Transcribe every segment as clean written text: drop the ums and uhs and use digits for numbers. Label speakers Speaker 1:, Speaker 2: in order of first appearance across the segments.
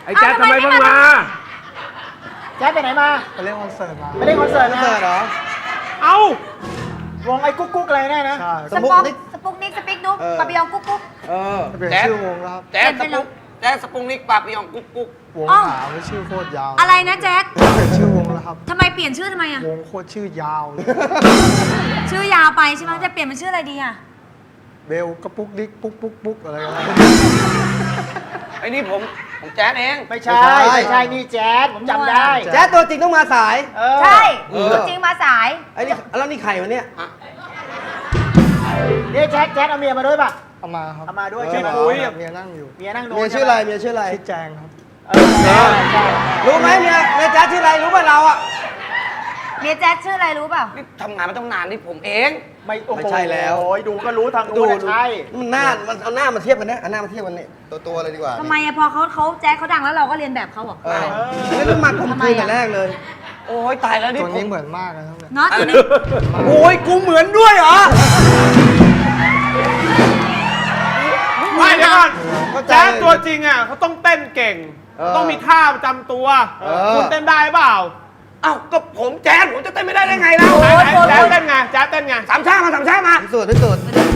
Speaker 1: อ้แจ๊ดทำไมเพิ่งมา
Speaker 2: แจ๊ดไปไหนมา
Speaker 3: ไปเล่นคอนเสิร์ตมา
Speaker 2: ไปเล่นคอนเสิร์ต
Speaker 3: เหรอ
Speaker 1: เอ้
Speaker 2: าวงไอ้กุ๊กกุ๊กอะไรแน่นะ
Speaker 3: ใช่
Speaker 4: สปุกนิกสปิกนุ๊กปาปิยองกุ๊กกุ๊ก
Speaker 3: เปลี่ยนชื่อวงแล้วครับ
Speaker 5: แจ๊ดสปุกนิกปาปิยองกุ๊กกุ๊ก
Speaker 3: วงหาไม่ชื่อโคตรยาว
Speaker 4: อะไรนะแจ๊ด
Speaker 3: เปลี่ยนชื่อวงแล้วครับ
Speaker 4: ทำไมเปลี่ยนชื่อทำไมอะ
Speaker 3: วงโคตรชื่อยาวเลย
Speaker 4: ชื่อยาวไปใช่ไหมจะเปลี่ยนเป็นชื่ออะไรดีอะ
Speaker 3: เบลกระปุกดิกปุ๊กปุ๊กปุ๊กอะไรกัน
Speaker 5: ไอ้นี่ผมแจ๊ดเอง
Speaker 2: ไม่ใช่นี่แจ๊ดผมจำได้
Speaker 6: แจ๊ดตัวจริงต้องมาสาย
Speaker 4: ใช่ตัวจริงมาสาย
Speaker 6: ไอ้นี่แล้วนี่ไข่วันเนี้ย
Speaker 2: นี่แจ๊ดเอาเมียมาด้วยป่ะ
Speaker 3: เอามาครับ
Speaker 2: เอามาด้วย
Speaker 3: ใช่ไหมเมียนั่งอยู่
Speaker 2: เมียนั่งดู
Speaker 6: เมียชื่ออะไรเมียชื่ออะไร
Speaker 3: ชื่อแจงครับ
Speaker 6: รู้ไหมเมียแจ๊ดชื่ออะไรรู้ป่ะเราอ่ะ
Speaker 4: เมียแจ๊ดชื่ออะไรรู้เปล่า
Speaker 5: นี่ทำงานมาต้องนานนี่ผมเอง
Speaker 6: ไม่ใช่แล้ว
Speaker 2: โอ้ยดูก็รู้ทางดูใช่
Speaker 6: มันหน้ามันเอาหน้ามาเทียบกันนะเอาหน้ามาเทียบกันนี่ตัวเลยดีกว่า
Speaker 4: ทำไมอะพอเขาแจ๊ดเขาดังแล้วเราก็เรียนแบบเขาหรอ
Speaker 6: นี่ต้องมาคุมคืนแต่แรกเลย
Speaker 5: โอ้ยตายแล้วนี่
Speaker 3: ตัวนี้เหมือนมากเลยครับ
Speaker 4: เนาะตัวนี้
Speaker 6: โอ้ยกูเหมือนด้วยเหรอ
Speaker 1: ไม่เดี๋ยวก่อนแจ๊ดตัวจริงอ่ะเขาต้องเต้นเก่งต้องมีท่าประจำตัวคุณเต้นได้เปล่า
Speaker 5: เอ้าก็ผมแจ๊ดผมจะเต้นไม่ได้ได้ไงแล้ว
Speaker 1: แจ๊ดเต้นไงแจ๊ดเต้นไง
Speaker 5: สามชามา
Speaker 6: ที่สุด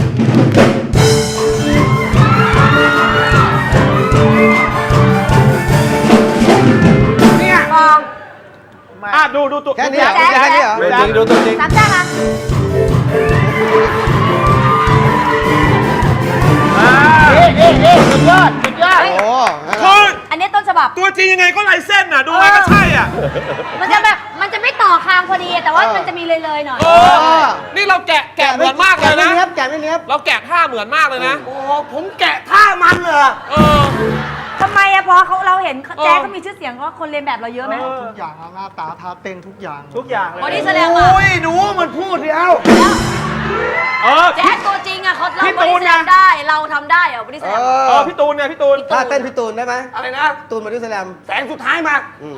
Speaker 5: เนี่ย
Speaker 1: ดูตัว
Speaker 6: แค่นี้เหรอ
Speaker 1: ดูตัวจริง
Speaker 4: สามจ้ามา
Speaker 2: สุดยอด
Speaker 6: โอ้
Speaker 4: อันนี้ต้นฉบับ
Speaker 1: ตัวจริงยังไงก็ลายเส้นอ่ะดูไงก็ใช่อ่ะ
Speaker 4: มันจะไม่ต่อคางพอดีแต่ว่ามันจะมีเลยหน่อย
Speaker 1: นี่เราแกะเหมือนมากเลยนะ
Speaker 6: แกะไม่เนี้ย
Speaker 1: เราแกะท่าเหมือนมากเลยนะ
Speaker 5: โอ้ผมแกะท่ามันเลย
Speaker 4: ทำไมอะพอเราเห็นแจ๊ดเขามีชื่อเสียงก็คนเรียนแบบเราเยอะไหม
Speaker 3: ทุกอย่างหน้าตาท่าเต้นทุกอย่าง
Speaker 2: เลย
Speaker 4: โอ้นี่แสดงว่า
Speaker 5: โอ้ยหนูมันพูดเดียว
Speaker 4: แจ๊ดตัวจริงอะเขาเราบริแสดงได้เราทำได้เหรอบริแสดง
Speaker 1: พี่ตูนไงพี่ตูน
Speaker 6: ท่าเต้นพี่ตูนได้ไหม
Speaker 5: อะไรนะ
Speaker 6: ตูนบริแสดง
Speaker 5: แสงสุดท้ายมา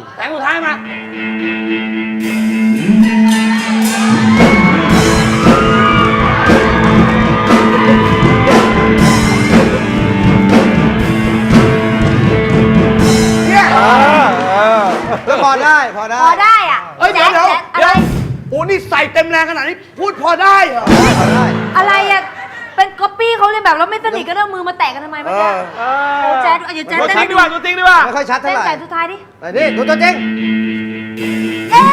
Speaker 6: แล้วพอได้
Speaker 4: อะ
Speaker 5: เฮ้ยเดี๋ยวโอ้นี่ใส่เต็มแรงขนาดนี้พูดพอได้เหรอ
Speaker 4: อะไรอะเป็นก๊อปปี้เขาเรียนแบบเราไม่สนิทก็เอามือมาแตะกันทำไมไม่ได้แจ๊ดเดี๋ยวแจ๊ดเต้น
Speaker 1: ดีกว่าตัวจริงดีกว่า
Speaker 6: ไม่ค่อยชัดเท่าไหร่
Speaker 4: เต้นสุดท้ายดิ
Speaker 6: นี่ดูตัวจริง
Speaker 4: เอ๊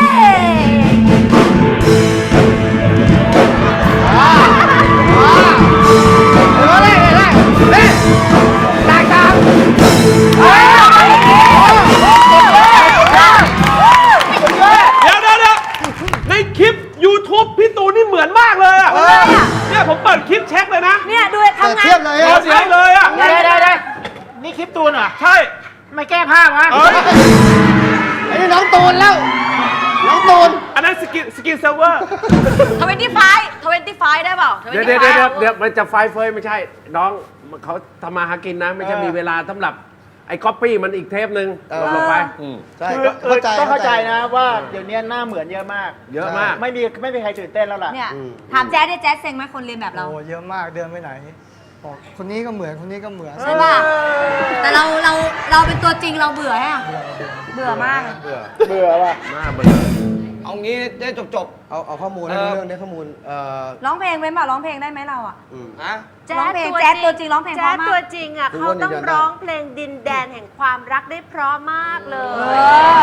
Speaker 1: ในคลิป YouTube พี่ตูนนี่เหมือนมากเลยอ่ะเนี่ยผมเปิดคลิปเช็คเลยนะ
Speaker 4: เนี่ยดูทำงาน
Speaker 6: เทียบเลย
Speaker 1: เทียบเลยอ่ะ
Speaker 2: ได้นี่คลิปตูนเหรอ
Speaker 1: ใช่
Speaker 2: ไม่แก้ผ้าวะ
Speaker 6: ไอ้นี่น้องตูนแล้วน้องตูน
Speaker 1: อันนั้นสกินเซิร์ฟเวอร์
Speaker 4: 25ได้เปล่า
Speaker 1: เดี๋ยวมันจะไฟเฟยไม่ใช่น้องเขาทำมาหากินนะไม่ใช่มีเวลาสำหรับไอ้ก๊อปปี้มันอีกเทปนึงลงไป
Speaker 6: ใช่
Speaker 2: ต้องเข้าใจนะว่าเดี๋ยวนี้หน้าเหมือนเยอะมากไม่มีใครตื่นเต้นแล้วล่ะ
Speaker 4: เนี่ยถามแจ๊ดแจ๊ดเซ็งไหมคนเรียนแบบเรา
Speaker 3: โอ้เยอะมากเดินไปไหนบอกคนนี้ก็เหมือนคนนี้ก็เหมือน
Speaker 4: ใช่ป่ะแต่เราเป็นตัวจริงเราเบื่อฮะเบื่อมาก
Speaker 2: ว่ะ
Speaker 1: น่าเบื่อ
Speaker 5: เอางี้ได้จบ
Speaker 6: เอาข้อมูลเรื่องนี้ข้อมูล
Speaker 4: ร้องเพลงเป็นป่ะร้องเพลงได้ไหมเราอ่ะ
Speaker 7: ร้องเพลงแจ๊ดตัวจริงร้องเพลงเพราะมาก
Speaker 4: แจ๊ดตัวจริงอ่ะเขาต้องร้องเพลงดินแดนแห่งความรักได้เพราะมากเลย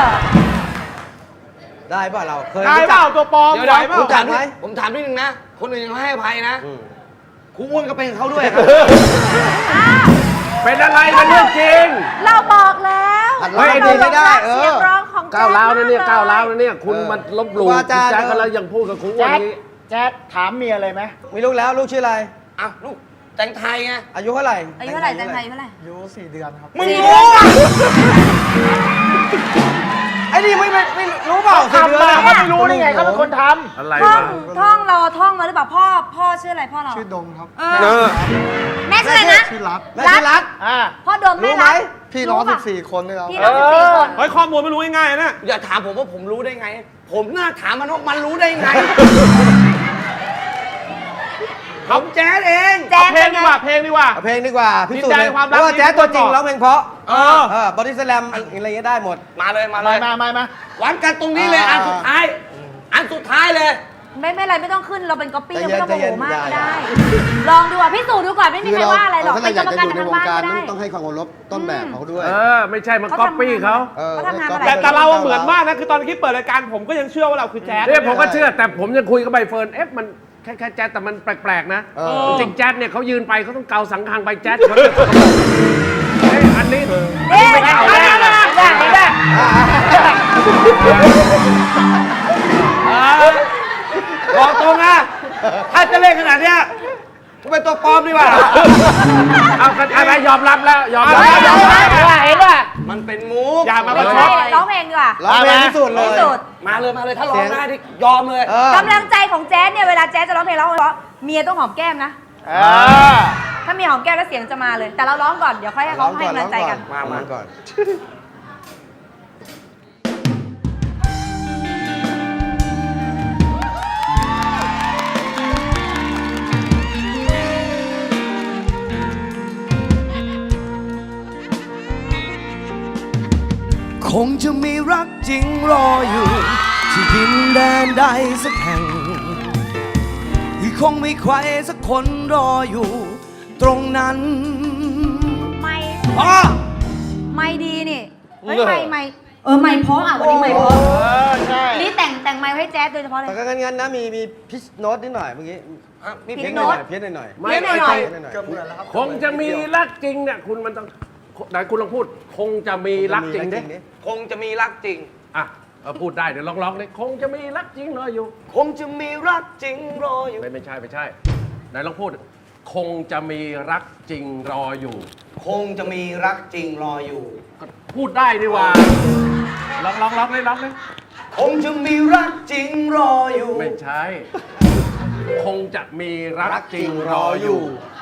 Speaker 6: ได้ป่ะเราเคย
Speaker 1: ได้เปล่าตัวปลอมไหวเปล่า
Speaker 5: ผมถามนิดนึงนะคนอื่นยังให้อภัยนะครูอ้วนก็เป็นเขาด้วยครับ
Speaker 1: เป็นอะไรเป็นเรื่องจริง
Speaker 4: เราบอกแล้ว
Speaker 6: ไม่ดีไม่ได้
Speaker 4: เสียงร้องของ
Speaker 1: ก้าวร้าวนะเนี่ยคุณมันลบหลู่แจ๊ดก็แล้วยังพูดกับครูอ้วนนี้
Speaker 2: แจ๊ดถามเมียเลยไหม
Speaker 6: มีลูกแล้วลูกชื่ออะไร
Speaker 5: อ้าวลูกแต่งไทยไง
Speaker 6: อายุเท่าไหร่
Speaker 4: แต่งไทยเท่าไหร่
Speaker 3: อายุ4 เดือนครับ
Speaker 5: มึงรู้
Speaker 6: ไอ้นี่ไม่รู้เปล่า
Speaker 2: ทำมาเขาไม่รู้ได้ไงเขาเป็นคนท
Speaker 1: ำอะไร
Speaker 4: ท่องเราท่องมาหรือเปล่าพ่อชื่ออะไรพ่อเรา
Speaker 3: ชื่อดมครับ
Speaker 4: แม่ชื่ออะไรนะ
Speaker 3: ชื่อรัฐ
Speaker 4: พ่อดมแม่รัฐ
Speaker 3: พี่น้อง14 คนด้วยครับ
Speaker 4: พี่น้อง14 คน
Speaker 1: เฮ้ยข้อมูลไม่รู้ง่ายๆนะ
Speaker 5: อย่าถามผมว่าผมรู้ได้ไงผมน่าถามมันว่ามันรู้ได้ไงผมแจ๊ดเอ
Speaker 6: เอง
Speaker 7: แจ๊ด
Speaker 1: เพล
Speaker 7: เป็
Speaker 1: ง
Speaker 7: น
Speaker 1: ดี
Speaker 7: ไง
Speaker 1: กว่าเพลงดีกว่า
Speaker 6: เอาเพลงดีกว่าพิสูจน์
Speaker 1: ดินแด
Speaker 6: เลย
Speaker 1: นความรัก
Speaker 6: เพราะว่าแจ๊สตัวจริง
Speaker 1: ที่
Speaker 6: ร้องเพลงเพราะ
Speaker 1: เออ
Speaker 6: บอดี้สแลมอะไรเงี้ยได้หมด
Speaker 5: มาเลยมาเล
Speaker 2: มาย มา
Speaker 5: วัดกันตรงนี้เลย
Speaker 6: อ่า
Speaker 5: อันสุดท้าย อันสุดท้ายเลย
Speaker 7: ไม่อะไรไม่ต้องขึ้นเราเป็นก๊อปปี้เราไม่ต้องโมโหมากก็
Speaker 6: ใจเย็น
Speaker 7: ได้ ลองดูอ่ะพิสูจน์ดูก่อนไม่มีใครว่าอะไรหรอก
Speaker 6: ถ้า
Speaker 7: เป็นกรรมการทางบ้านก็ได้
Speaker 6: ต้องให้ความเคารพต้นแบบเขาด้วย
Speaker 8: ไม่ใช่มันก๊อปปี้เขา
Speaker 7: เขาทำงานมาหลาย
Speaker 1: แต่เราเหมือนมากนะคือตอนที่เปิดรายการผมก็ยังเชื่อว่าเราคือแจ๊ส
Speaker 8: เนี่ยผมก็เชื่อแต่ผมยังคุยกับใบเฟิร์นมันแค่แจ๊สแต่มันแปลกๆนะ
Speaker 6: เออ
Speaker 8: จริงๆแจ๊สเนี่ยเขายืนไปเขาต้องเกาสังฆังไปแจ๊สเขาจะอันนี้
Speaker 7: เอ๊ะ
Speaker 8: ไม่เอาแน่นะ
Speaker 5: บอกตรงนะ ถ้าจะเล่นขนาดเนี้ยกูเป็นตัวปลอมดีกว่า
Speaker 8: เอากันอะไรยอมรับแล้วยอมรับ
Speaker 7: เห็นป่ะ
Speaker 5: มันเป็นมูฟ
Speaker 1: อย่ามาป
Speaker 7: ไม่
Speaker 1: ระช
Speaker 7: ใช่
Speaker 1: ด
Speaker 7: ร้องเพลงดีกว่า
Speaker 6: ร้องเพลงที่สุดเลย
Speaker 7: ที่สุด
Speaker 5: มาเลยมาเลยถ้าร้องได้ที่ยอมเลย
Speaker 7: กำลังใจของแจ๊สเนี่ยเวลาแจ๊สจะร้องเพลงร้องเพราะเมียต้องหอมแก้มนะ ถ้ามีหอมแก้มแล้วเสียงจะมาเลย แต่เราร้องก่อนเดี๋ยวค่อยให้เขาให้กำลังใจกัน
Speaker 6: มาก่อน
Speaker 9: คงจะมีรักจริงรออยู่ ที่ดินแดนใดสักแห่งที่คงมีใครสักคนรออยู่ ตรงนั้น
Speaker 7: ไม่ไม่ดีนี่เฮ้ยไม่ไม่เพราะอ่ะวันนี้ไม่เพราะ
Speaker 2: ใช่
Speaker 7: นี่แต่งไมค์ให้แจ๊สโดยเฉพาะเลย
Speaker 6: แต่ก็งั้นนะมีพิชโน้ตนิดหน่อยเมื่อกี้
Speaker 5: มี
Speaker 7: พิ
Speaker 5: เพล
Speaker 7: ช
Speaker 5: ง
Speaker 7: โน้
Speaker 5: โน้
Speaker 7: ต
Speaker 5: ต
Speaker 6: เพี้ยนหน่อย
Speaker 8: ไม่
Speaker 7: เล่นหน่อย
Speaker 8: คงจะมีรักจริงเนี่ยคุณมันต้องไหนคุณลองพูด คงจะมีรักจริงดิ
Speaker 5: คงจะมีรักจริง
Speaker 8: อ่ะพูดได้เดี๋ยวลองๆเลยคงจะมีรักจริงรออยู่
Speaker 5: คงจะมีรักจริงรออยู่
Speaker 8: ไม่ใช่ไหนลองพูด คงจะมีรักจริงรออยู่
Speaker 5: คงจะมีรักจริงรออยู่
Speaker 8: ก็พูดได้ดีว่าลองเลย
Speaker 5: คงจะมีรักจริงรออยู่
Speaker 8: ไม่ใช่ คงจะมีรักจริงรออยู่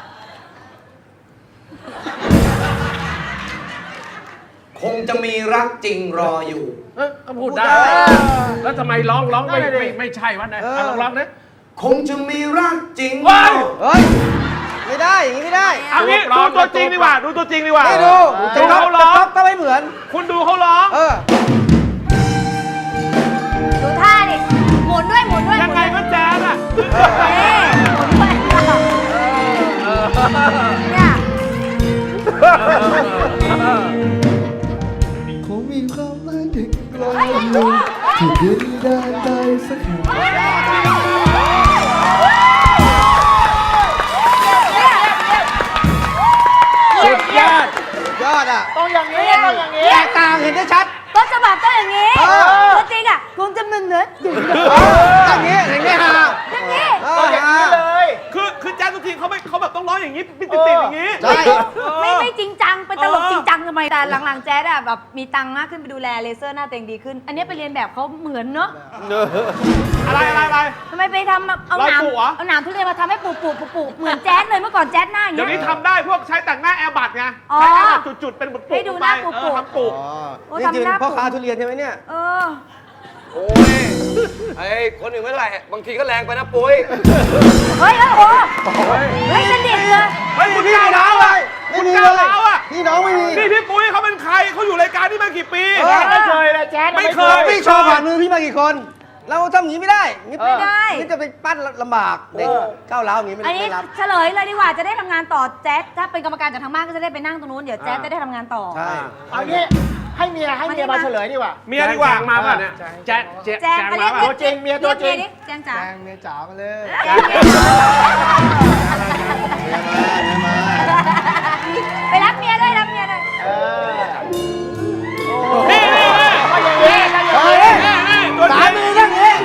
Speaker 5: คงจะมีรักจริงรออยู่
Speaker 8: ก็พูดได้ แล้วทำไมร้องไม่ใช่วะเนี่ยลองนะ
Speaker 5: คงจะมีรักจริง
Speaker 8: ว้าย
Speaker 6: เฮ้ย ไม่ได้ อย่างนี้ไม่ได้
Speaker 1: เอางี้ดูตัวจริงดีกว่าดูตัวจริงดีกว่า
Speaker 6: ไม่ดู
Speaker 1: ดูเขาร้อง
Speaker 6: ก็ไม่เหมือน
Speaker 1: คุณดูเขาร้อง
Speaker 7: ดูท่าดิหมุนด้วย
Speaker 1: ยังไงก็แจ๊สอ่ะ
Speaker 7: หมุนด้วยเนี่ย
Speaker 9: คงมีความหมายถึงรออยู่ที่ดินแดนใดสักแห่ง
Speaker 8: สุดยอด
Speaker 6: ยอดอ่ะ
Speaker 2: ต้องอย่างนี้ต้องอย่างนี้
Speaker 6: แตกต่างเห็นได้ชัด
Speaker 7: ต้นฉบับต้องอย่างนี้ตัวจริงอ่ะคงจะมึนเนื้อ
Speaker 6: อย่างนี้อย่างนี้ฮะ
Speaker 7: อย่างนี้
Speaker 2: ต้องอย่างนี้เลย
Speaker 1: คือแจ๊สทุกทีเขาแบบต้องร้องอย่างนี้ติดอย่างนี้
Speaker 6: ใช่
Speaker 7: ไม่จริงจังเป็นตลกจริงจังทำไมแต่หลังๆแจ๊ดอะแบบมีตังค์มากขึ้นไปดูแลเลเซอร์หน้าเต็งดีขึ้น อันนี้ไปเรียนแบบเขาเหมือนเนอะ
Speaker 1: อะไร
Speaker 7: ทำไมไปทำเอาหนาม
Speaker 1: เราปลูกเหรอ
Speaker 7: เอาหนามทุเรียนมาทำให้ปลูกเหมือนแจ๊ดเลยเมื่อก่อนแจ๊ดหน้าอย่าง
Speaker 1: เดี๋ยว
Speaker 7: เงี้
Speaker 1: นี้
Speaker 7: ย
Speaker 1: ทำได้พวกใช้แต่งหน้าแอร์บัตไง
Speaker 7: อ๋อ
Speaker 1: ใช้แอร์บัตจุดๆเป็นปุกๆ
Speaker 7: ให้ดูหน้า
Speaker 1: ไป
Speaker 7: ปลูกๆ
Speaker 1: ทำปลูก
Speaker 7: โอ้
Speaker 6: นี่
Speaker 7: ทำ
Speaker 6: คือ
Speaker 7: หน้า
Speaker 6: พ่อ
Speaker 7: ปลูก
Speaker 6: ค้าทุเรียนใช่ไหมเนี่ย
Speaker 7: เออ
Speaker 5: โอ้ยไอ้คนอื่นไม่เป็นไรบางทีก็แรงไปนะปุ้ย
Speaker 7: เฮ้ยโอ้เฮ้ยสนิทเลย
Speaker 1: เฮ้ยคุณก้าวร้าวอ่ะ
Speaker 6: ไม่
Speaker 1: คุณ
Speaker 6: มี
Speaker 1: ก้าว
Speaker 6: เลย
Speaker 1: ร้าวอ่ะ
Speaker 6: พี่น้องไม่มี
Speaker 1: นี่พี่ปุ้ยเขาเป็นใครเขาอยู่รายการนี้มากี่ปี
Speaker 2: แจ๊ดไม่เคยเลยแจ๊ด
Speaker 1: ไม่เคย
Speaker 6: พี่โชว์ผ่านมือพี่มากี่คน เราทำอย่างนี้ไม่ได้
Speaker 7: ไม่ได้
Speaker 6: นี่จะไปปั้นลำบาก เด็กก้าวร้าวอย่างนี้ไม่
Speaker 7: อันนี้
Speaker 6: ไม่รับ
Speaker 7: เฉลยเลยดีกว่าจะได้ทำงานต่อแจ๊ดถ้าเป็นกรรมการจากทางบ้านก็จะได้ไปนั่งตรงนู้นเดี๋ยวแจ๊ดจะได้ทำงานต่อ
Speaker 6: ใช่
Speaker 2: เอางี้ให้เมียมาเฉลยดีกว่า
Speaker 1: เมียดีกว่า
Speaker 8: แจงมาป่ะเนี่ยแจ๊แจงมาป่ะ
Speaker 2: ตัวจริงเมียตัวจริง
Speaker 7: เรียกแจงจ๋า
Speaker 3: แจงเมียจ๋ามาเลย
Speaker 7: ไปรับเมียด้วยรับเมียด้วย
Speaker 1: นี่
Speaker 2: ก็อย่างนี้ก็อย่างนี้
Speaker 1: นี่ตัวจ
Speaker 6: สา
Speaker 1: ริง
Speaker 6: มีเรื่องนี้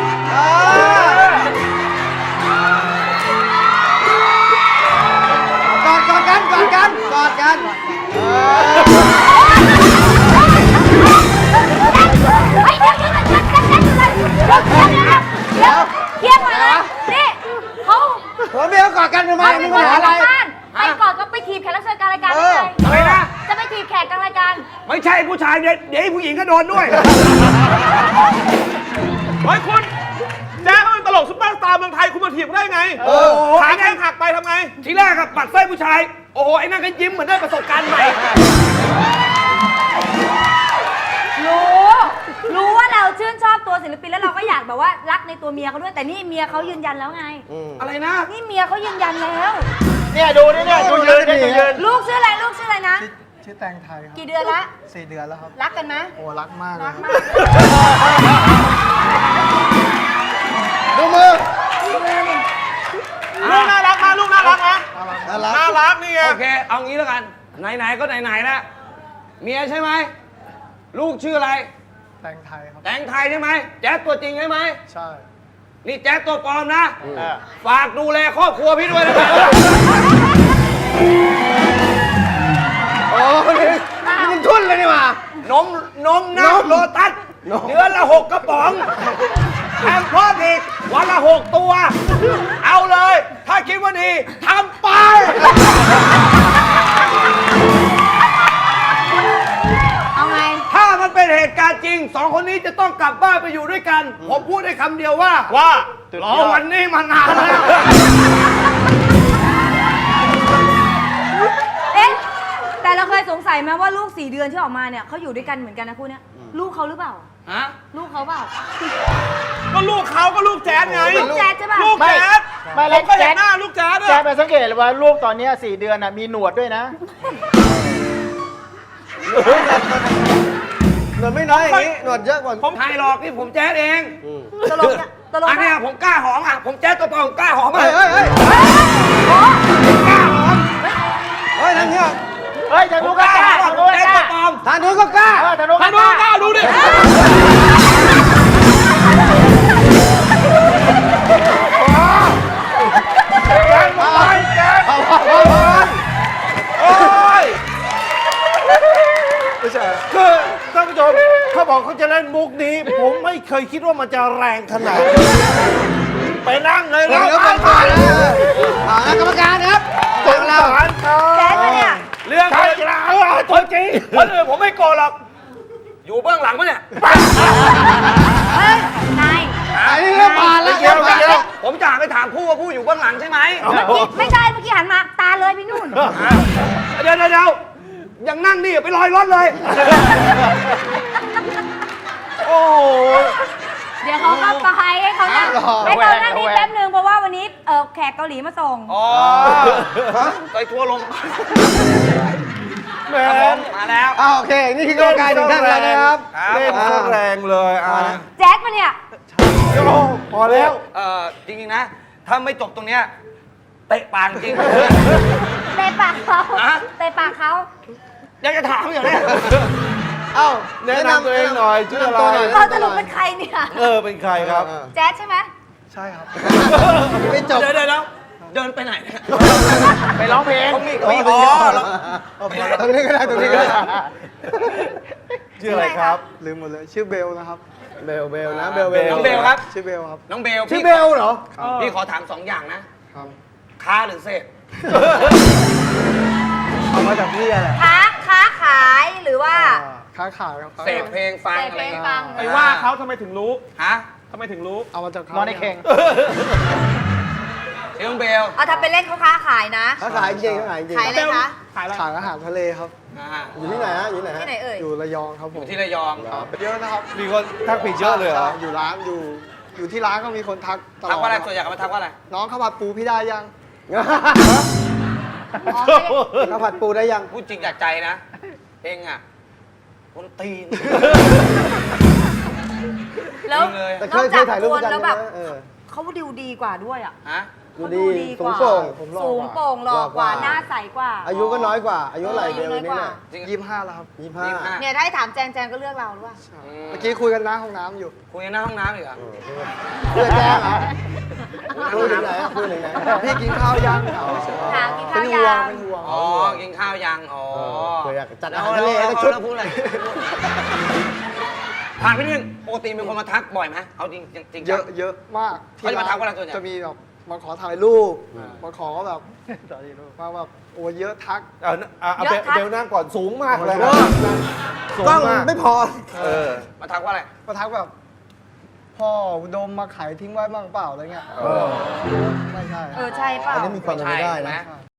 Speaker 6: กอดกันกอดกันกอดกัน
Speaker 7: เฮ้ยเดี๋ยวเคลียร์ก่อนเลยนี่เขา
Speaker 6: ผัวเมียกอดกันทำไม
Speaker 7: เขา
Speaker 6: มี
Speaker 7: เป็น
Speaker 6: ปั
Speaker 7: ค
Speaker 6: ญ
Speaker 7: น
Speaker 6: หา
Speaker 7: จาก
Speaker 6: อะไร
Speaker 7: บ้านไปก่อนก็ไปถีบแขกรับเชิญกลางรายการได้เลย
Speaker 5: อะไรนะ
Speaker 7: จะไปถีบแขกกลางรายการ
Speaker 5: ไม่ใช่ผู้ชายเดี๋ยวผู้หญิงก็โดนด้วย
Speaker 1: เฮ้ยคุณแจ๊สเขาเป็นตลกซุปเปอร์สตาร์เมืองไทยคุณมาถีบได้ไงขาแข้งหักไปทำไง
Speaker 5: ทีแรกอะปัดไส้ผู้ชาย โอ้โห ไอ้นั่นก็ยิ้มเหมือนได้ประสบการณ์ใหม่
Speaker 7: รู้ว่าเราชื่นชอบตัวศิลปินแล้วเราก็อยากแบบว่ารักในตัวเมียเขาด้วยแต่นี่เมียเขายืนยันแล้วไง
Speaker 5: อะไรนะ
Speaker 7: นี่เมียเขายืนยันแล้ว
Speaker 2: เนี่ยดูนี่เนี่ยดูยืนเนี่ยดูยืน
Speaker 7: ลูกชื่ออะไรนะ
Speaker 3: ชื่อแตงไทยครับ
Speaker 7: กี่เดือนละ
Speaker 3: 4 เดือนแล้วครับ
Speaker 7: รักกันไหม
Speaker 3: โอ้รักมากเล
Speaker 7: รั
Speaker 3: ย
Speaker 7: ก
Speaker 3: ครับ
Speaker 7: มาก
Speaker 6: ดูมือ
Speaker 1: ลูกน่ารักมาลูกน่ารักนะ
Speaker 6: น่ารัก
Speaker 1: น่ารักนี่ไง
Speaker 5: โอเค เอางี้แล้วกัน ไหนๆก็ไหนๆแล้วเมียใช่ไหม ลูกชื่ออะไร
Speaker 3: แตงไทยครับ
Speaker 5: แตงไทยใช่ไหม แจ๊สตัวจริงใช่ไหม
Speaker 3: ใช่
Speaker 5: นี่แจ๊สตัวปลอมนะ ฝากดูแลครอบครัวพี่ด้วยนะครับ
Speaker 6: โอ้นี่มันทุ่นเลยนี่หว่าน
Speaker 5: มนะโลตัสเดือนละ6 กระป๋องแถมเพิ่มอีกวันละ6 ตัว เอาเลย ถ้าคิดว่าดีทำไป
Speaker 7: เอาไง
Speaker 5: ถ้ามันเป็นเหตุการณ์จริง 2 คนนี้จะต้องกลับบ้านไปอยู่ด้วยกัน ผมพูดได้คำเดียวว่าร อวันนี้มานานแล้ว
Speaker 7: เอ๊ะแต่เราเคยสงสัยไหมว่าลูก4 เดือนที่ออกมาเนี่ยเขาอยู่ด้วยกันเหมือนกันนะคู่เนี้ยลูกเขาหรือเปล่า
Speaker 5: ฮะ
Speaker 7: ลูกเขาเปล่า
Speaker 1: ก็ลูกเขาก็ลูกแจ๊ดไง
Speaker 7: ลูกแจ๊ดใช่ป่ะ
Speaker 1: ลูกแจ๊ด
Speaker 2: ไม่
Speaker 1: ผ
Speaker 2: แล้ว
Speaker 1: มก็เห็
Speaker 2: แจ๊
Speaker 1: น
Speaker 2: ด
Speaker 1: หน้าลูกแจ๊ด
Speaker 2: แจ๊
Speaker 1: อะ
Speaker 2: ดไปสังเกตเลยว่าลูกตอนเนี้ย4 เดือนน่ะมีหนวดด้วยนะ
Speaker 6: หนวดไม่น้อยอย่างนี้หนวดเยอะกว่า
Speaker 5: ผมถ่ายหลอกนี่ผมแจ๊ดเอง
Speaker 7: ตลกเนี่ยตลก
Speaker 5: อันเนี้ยผมกล้าหอมอ่ะ ผมแจ๊ดตัวปลอมผมกล้าหอม
Speaker 6: เฮ้
Speaker 5: อ่ะ
Speaker 6: ยเฮ้ยเฮ้ยเฮ้ยนั่นเนี่ย
Speaker 2: เฮ้ยทาง
Speaker 5: ผ
Speaker 2: นู้
Speaker 5: ม
Speaker 2: น
Speaker 5: ก
Speaker 2: ก็
Speaker 5: ล้าก
Speaker 2: ล้า
Speaker 5: หอม
Speaker 2: ทางนู้น
Speaker 5: ผมแจ๊ด
Speaker 2: ก็
Speaker 5: ตัวปลอม
Speaker 6: ทางนู้นก็กล้า
Speaker 2: ทางนู้น
Speaker 1: มา
Speaker 2: ก็
Speaker 1: ดู
Speaker 2: กล้า
Speaker 1: ก้าวดูดิ
Speaker 8: คือท่านผู้ชมเขาบอกเขาจะเล่นมุกนี้ ผมไม่เคยคิดว่ามันจะแรงขนาดนี้ไปนั่งเลย
Speaker 6: เดี๋
Speaker 8: แล้
Speaker 6: ยว วก่อนกรรมการครับ
Speaker 8: สงสารเขา
Speaker 7: แจ๊ดปะเนี่ย
Speaker 5: เรื่อง
Speaker 8: ใช่แล้วตัวจริง
Speaker 5: คนอื่นผมไม่โกรธหรอก อยู่เบื้องหลังปะเนี่ย
Speaker 7: เฮ้ยนาย
Speaker 6: อันนี้เริ่มผ่านแล้ว
Speaker 5: เกี่ยวไม่เกี่ยวผมจะไปถามผู้ว่าผู้อยู่เบื้องหลังใช่ไหม
Speaker 7: ไม่ใช่เมื่อกี้หันมาตาเลยไปนู่น
Speaker 5: เดี๋ยวยังนั่งนี่ไปลอยรถเลย โอ้โห
Speaker 7: เดี๋ยวเขาก็ไปให้เขานั่งให้เขานั่งนี่แป๊บนึงเพราะว่าวันนี้แขกเกาหลีมาส่ง
Speaker 5: อ๋อไปทัวร์ลง
Speaker 8: แหม
Speaker 5: มาแล้ว
Speaker 6: โอเค นี่คือกรรมการหนึ่งท่านแล้วนะครับ
Speaker 8: เล่นซะแรงเลยอ่ะ
Speaker 7: แจ๊ดมาเนี่ย
Speaker 8: โอ้พอแล้ว
Speaker 5: จริงๆนะ ถ้าไม่จบตรงเนี้ยเตะปากจริง
Speaker 7: เตะปากเขา
Speaker 5: ฮะ
Speaker 7: เตะปากเขา
Speaker 5: อยากจะถามอย่างนี้
Speaker 6: เอ้า
Speaker 8: แนะนำตัวเองหน่อยชื่ออะไร
Speaker 7: เราสรุปเป็นใครเนี่ย
Speaker 8: เป็นใครครับ
Speaker 7: แจ๊ดใช่ไหม
Speaker 3: ใช่ครับ
Speaker 6: ไม่จบ
Speaker 5: เดี๋ยวเดินไปไหนเนี่ย
Speaker 2: ไปร้องเพลง
Speaker 5: เขามีอ๋อแล้ว
Speaker 6: ตรงนี้ก็ได้ตรงนี้ก็ได้
Speaker 8: ชื่ออะไรครับ
Speaker 3: ลืมหมดเลย ชื่อเบลนะครับ
Speaker 6: เบลนะเบล
Speaker 5: น้องเบลครับ
Speaker 3: ชื่อเบลครับ
Speaker 5: น้องเบล
Speaker 6: ชื่อเบลเหรอ
Speaker 5: พี่ขอถาม2 อย่างนะครับ ค้าหรือเสพ
Speaker 3: เอามาจากพี่อะไร
Speaker 7: ค้าขายหรือว่า
Speaker 3: ค้าขายครับ
Speaker 5: เสพเพลงฟัง
Speaker 7: เสพ
Speaker 5: อะไร
Speaker 7: เพลง
Speaker 5: เงี้ย
Speaker 7: ฟัง
Speaker 1: ไปว่าเขาทำไมถึงรู้
Speaker 5: ฮะ
Speaker 1: ทำไมถึงรู้
Speaker 3: เอามาจากเขา
Speaker 2: นอนในเข่ง
Speaker 5: ชื่อน้องเบล
Speaker 7: เอาถ้าเป็นเล่นเขาค้าขายนะ
Speaker 6: เขาขายจริงเขาขายจริง
Speaker 7: ขายอะไรคะ
Speaker 1: ขายอะไร
Speaker 3: ขายอาหารทะเลครับ
Speaker 6: อยู่ที่ไหนฮะอยู่ที่ไหนฮะ
Speaker 7: ที่ไหนเอ่ย
Speaker 3: อยู่ระยองครับ
Speaker 5: อ
Speaker 3: ผม
Speaker 5: ยู่ที่ระยอง
Speaker 3: ครับเยอะนะครับ
Speaker 8: มีคนทักผิดเยอะเลยเหรอ
Speaker 3: อยู่ร้านอยู่ที่ร้านก็มีคนทักตลอด
Speaker 5: ทักว่าอะไรส่วนใหญ่เขามาทักว่าอะไร
Speaker 3: น้องข้าวผัดปูพี่ได้ยัง
Speaker 7: อ๋อไม่ได้
Speaker 6: ข้าวผัดปูได้ยัง
Speaker 5: พูดจริงจากใจนะ เองอ่ะคนตีน
Speaker 7: แล้ว
Speaker 5: จริงเลย
Speaker 6: แต่
Speaker 7: น
Speaker 6: เค
Speaker 7: อก
Speaker 6: ย
Speaker 7: จาก
Speaker 6: ถ่ายรูป
Speaker 7: ค
Speaker 6: ด้วน ยกัน
Speaker 7: แล้วแบบ
Speaker 6: ใช่ไหม
Speaker 7: เขาดูดีกว่าด้วยอ่ะ
Speaker 5: ฮะ
Speaker 6: ดู
Speaker 7: เขา
Speaker 6: ดี
Speaker 7: กว่า
Speaker 6: สูงโปร่ง
Speaker 3: ผมหล่อ
Speaker 7: สูง
Speaker 3: กว่า
Speaker 7: โปร่งหล่อกว่าหน้าใสกว่า
Speaker 6: อายุก็น้อยกว่า อายุเท่าไหร่เบล
Speaker 7: น้อย
Speaker 6: นี่
Speaker 7: กว่า
Speaker 6: เนี่ย
Speaker 5: จริง
Speaker 3: 25แล้วครับ
Speaker 6: 25
Speaker 7: เนี่ยถ้าให้ถามแจงก็เลือกเราหรือเปล่า
Speaker 3: เมื่อกี้คุยกันหน้าห้องน้ำอยู่
Speaker 5: คุยในหน้าห้องน้ำอีกเหรอ
Speaker 6: เพื่อแจ้งเหรอพูดถึงไหนพูดถึงไหน
Speaker 3: พี่กินข้าวยัง
Speaker 7: ถามกิน
Speaker 3: เป็
Speaker 7: ข้าน ว
Speaker 3: ห่ว
Speaker 7: ยัง ง
Speaker 3: เป็นห่วง
Speaker 5: อ๋อ กินข้าวยัง อ๋อ
Speaker 6: เผื่ออยากจัดอา
Speaker 5: เอา
Speaker 6: หาร
Speaker 5: แล้
Speaker 6: ทะ
Speaker 5: ว
Speaker 6: เลสักชุด
Speaker 5: พูดอะไรถามพี่นึงปกติมีคนมาทักบ่อยไหมเอาจริงจริง
Speaker 3: เยอะมาก
Speaker 5: เขาจะมาทักว่าอะไรส่วนใหญ่
Speaker 3: จะมีแบบมาขอถ่ายรูปมาขอแบบมาแบบโอ้เยอะทัก
Speaker 8: เอาเบลนั่งก่อนสูงมากเลย
Speaker 6: กล้องไม่พอ
Speaker 8: เออ
Speaker 5: มาทักว่าอะไร
Speaker 3: มาทักแบบพ่อดมมาขายทิ้งไว้บ้างเปล่าอะไรเงี้ยไม่ใช่
Speaker 7: ใช่เปล่า
Speaker 6: อันนี้มีความเป็นไปได้นะ